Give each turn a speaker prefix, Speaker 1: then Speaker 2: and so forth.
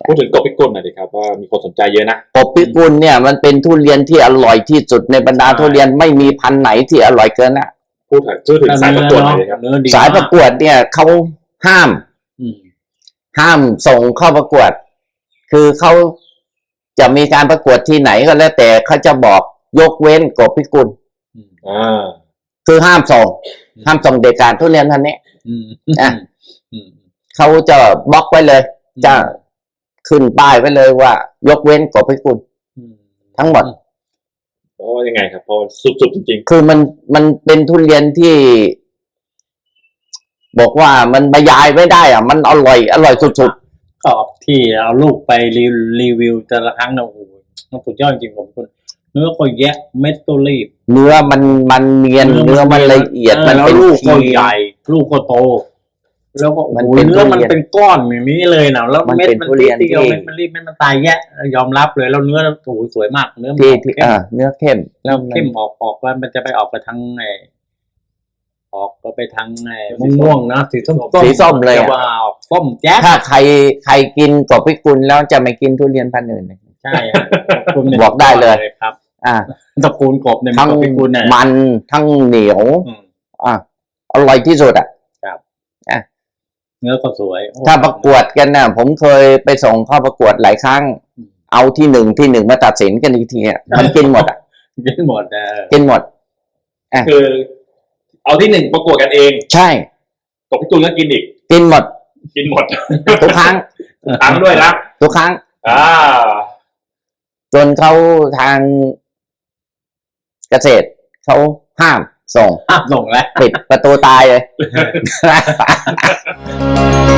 Speaker 1: พูดถึงกบพิกุลหน่อยดิครับว่ามีคนสนใจเยอะนะ
Speaker 2: กบพิกุลเนี่ยมันเป็นทุเรียนที่อร่อยที่สุดในบรรดาทุเรียนไม่มีพันธุ์ไหนที่อร่อยเกินนะ
Speaker 1: พูดถึงสายประกวดหน่อยดิครับ
Speaker 2: สายประกวดเนี่ยเขาห้ามส่งเข้าประกวดคือเขาจะมีการประกวดที่ไหนก็แล้วแต่เขาจะบอกยกเว้นกบพิกุลคือห้ามส่งเด็กการทุเรียนท่านนี้เขาจะบล็อกไว้เลยจะขึ้นป้ายไว้เลยว่ายกเว้นกบพิกุลทั้งหมด
Speaker 1: เพราะยังไงครับเพราะสุดๆจริง
Speaker 2: ๆคือมันเป็นทุเรียนที่บอกว่ามันบรรยายไม่ได้อ่ะมันอร่อยสุด
Speaker 3: ๆกรอบที่เอาลูกไปรีวิวแต่ละครั้งนะโอ้โหมันสุดยอดจริงผมคุณเนื้อก็แยะเม็ดก็รีบ
Speaker 2: เนื้อมันเนียนเนื้อมันละเอียดมันเป็น
Speaker 3: ลูกก็ใหญ่ลูกก็โตแล้วก็เนื้อมันเป็นก้อนอย่างนี้เลยนะแล้วเม็ดมันเตี้ยวเม็ดมันรีบเม็ดมันตายแยะยอมรับเลยแล้วเนื้อโอ้โหสวยมากเนื้อ
Speaker 2: ที่เนื้อเข้ม
Speaker 3: แล้วเข้มออกว่ามันจะไปออกไปทางออกก็ไปทางม่วงนะสีส้ม
Speaker 2: เลย
Speaker 3: ว่าออกส้มแจ๊
Speaker 2: สถ้าใครกินกบพิกุลแล้วจะไม่กินทุเรียนพันธุ์อื่น
Speaker 3: ใช่
Speaker 2: บอกได้เลย
Speaker 3: ครับ
Speaker 2: ต
Speaker 3: ระกูลกบเนี่ย
Speaker 2: ทั้งมันทั้งเหนียวอร่อยที่สุด
Speaker 3: ครับเนื้อก็สวย
Speaker 2: ถ้าประกวดกันนะผมเคยไปส่งเข้าประกวดหลายครั้งเอาที่หนึ่งมาตัดสินกันอีกทีมันกินหมด
Speaker 3: กินหมด
Speaker 2: กินหมด
Speaker 1: คือเอาที่หนึ่งประกวดกันเอง
Speaker 2: ใช่
Speaker 1: กบพิกุลก็กินอีก
Speaker 2: กินหมดทุกครั้ง
Speaker 1: ด้วยนะ
Speaker 2: ทุกครั้งจนเขาทางเกษตรเขาห้ามส่ง
Speaker 3: แล้ว
Speaker 2: ปิดประตูตายเลย